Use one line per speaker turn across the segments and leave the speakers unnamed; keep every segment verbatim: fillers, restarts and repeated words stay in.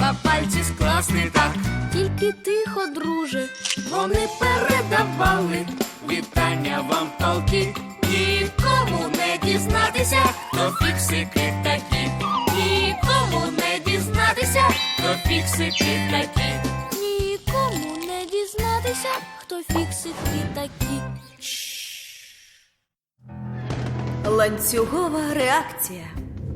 треба пальці скласти так.
Тільки тихо, друже.
Вони передавали вітання вам толки. Нікому не дізнатися, хто фіксики такі. Нікому не дізнатися, хто фіксики такі.
Нікому не дізнатися, хто фіксики такі.
Ланцюгова реакція.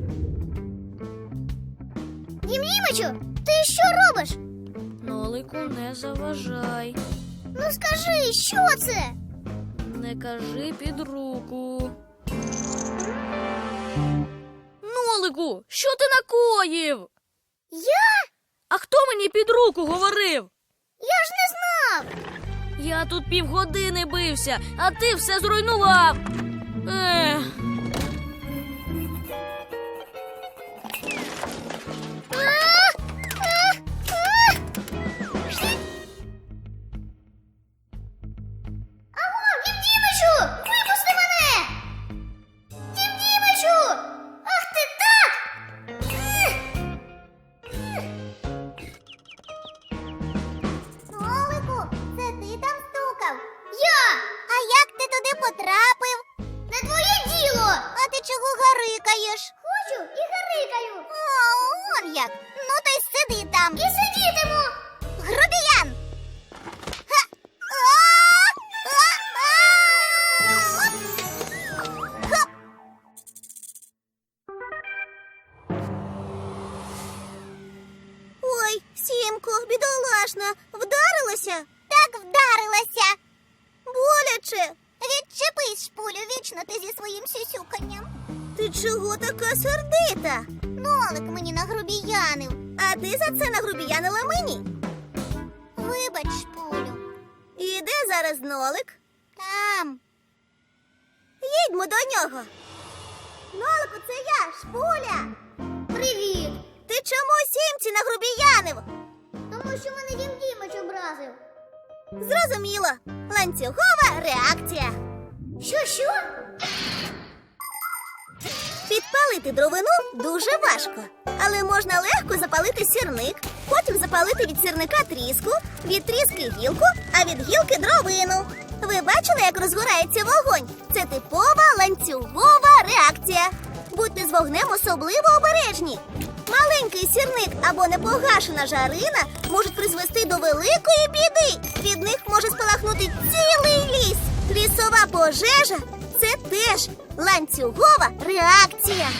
Дім Дімичу, ти що робиш?
Нолику, не заважай.
Ну скажи, що це?
Не кажи під руку. Нолику, що ти накоїв?
Я?
А хто мені під руку говорив?
Я ж не знав.
Я тут півгодини бився, а ти все зруйнував. Ех.
Аго, Дім Дімичу, випусти мене! Дім Дімичу! Ах ти так! Нолику, це ти там стукав? Я! А як ти туди потрапив? Не твоє діло! А ти чого гарикаєш? Хочу і гарикаю. О, он як! Ну то й сиди там. І сидітиму! Грубіян! Ха! А! А! А! Хоп! Ой, Сімко, бідолашна, вдарилася? Так вдарилася. Боляче. Відчепись, шпулю, вічно ти зі своїм сюсюканням. Ти чого така сердита? Нолик мені нагрубіянив. А ти за це нагрубіянила мені? Вибач, шпулю. І де зараз Нолик? Там. Їдьмо до нього. Нолику, це я, Шпуля. Привіт. Ти чому Сімці нагрубіянив? Тому що мене Дім Дімич образив. Зрозуміло. Ланцюгова реакція. Що-що? Підпалити дровину дуже важко. Але можна легко запалити сірник, потім запалити від сірника тріску, від тріски гілку, а від гілки дровину. Ви бачили, як розгорається вогонь? Це типова ланцюгова реакція. Будьте з вогнем особливо обережні. Маленький сірник або непогашена жарина можуть призвести до великої біди. Від них може спалахнути цілий ліс. Лісова пожежа – це теж ланцюгова реакція.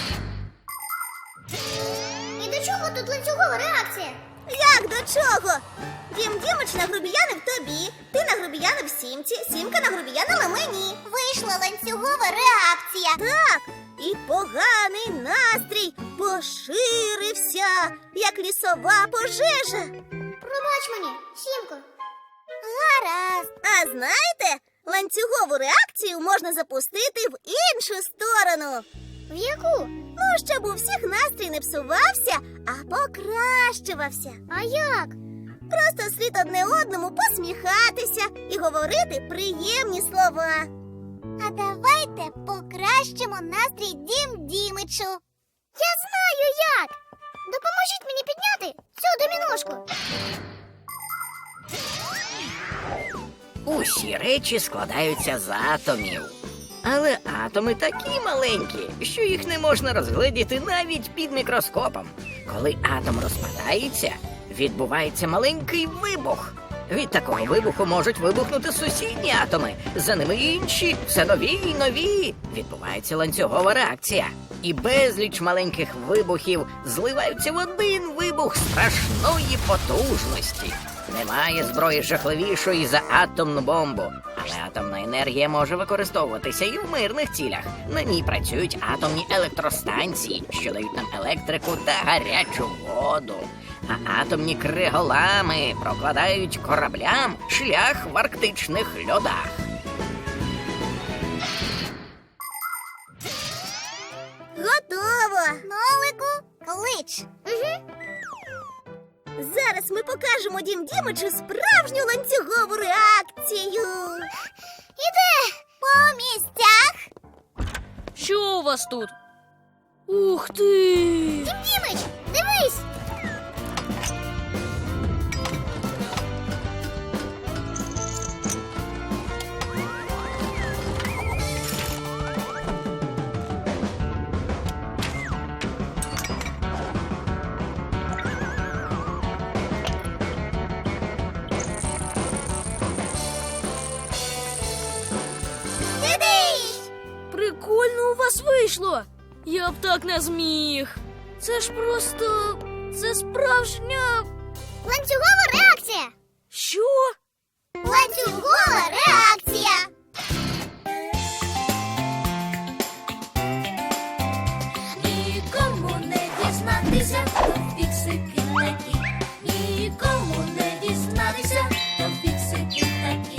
І до чого тут ланцюгова реакція? Як до чого? Дім Дімич нагрубіянив тобі, ти нагрубіянив Сімці, Сімка нагрубіянила мені. Вийшла ланцюгова реакція. Так, і поганий настрій поширився, як лісова пожежа. Пробач мені, Сімко. Гаразд. А знаєте, ланцюгову реакцію можна запустити в іншу сторону. В яку? Ну, щоб у всіх настрій не псувався, а покращувався. А як? Просто слід одне одному посміхатися і говорити приємні слова. А давайте покращимо настрій Дім Дімичу. Я знаю як! Допоможіть мені підняти цю доміношку.
Усі речі складаються з атомів. Але атоми такі маленькі, що їх не можна розгледіти навіть під мікроскопом. Коли атом розпадається, відбувається маленький вибух. Від такого вибуху можуть вибухнути сусідні атоми, за ними інші, все нові й нові. Відбувається ланцюгова реакція. І безліч маленьких вибухів зливаються в один вибух страшної потужності. Немає зброї жахливішої за атомну бомбу. Але атомна енергія може використовуватися і в мирних цілях. На ній працюють атомні електростанції, що дають нам електрику та гарячу воду. А атомні криголами прокладають кораблям шлях в арктичних льодах.
Готово! Нолику, клич. Угу. Зараз ми покажемо Дім Дімичу справжню ланцюгову реакцію. Іде по місцях.
Що у вас тут? Ух ти!
Дім Дімич, дивись!
вийшло. Я б так не зміг. Це ж просто. Це справжня.
Ланцюгова реакція.
Що?
Ланцюгова реакція.
Нікому не дізнатися, хто фіксики такі. Нікому не дізнатися, хто фіксики такі.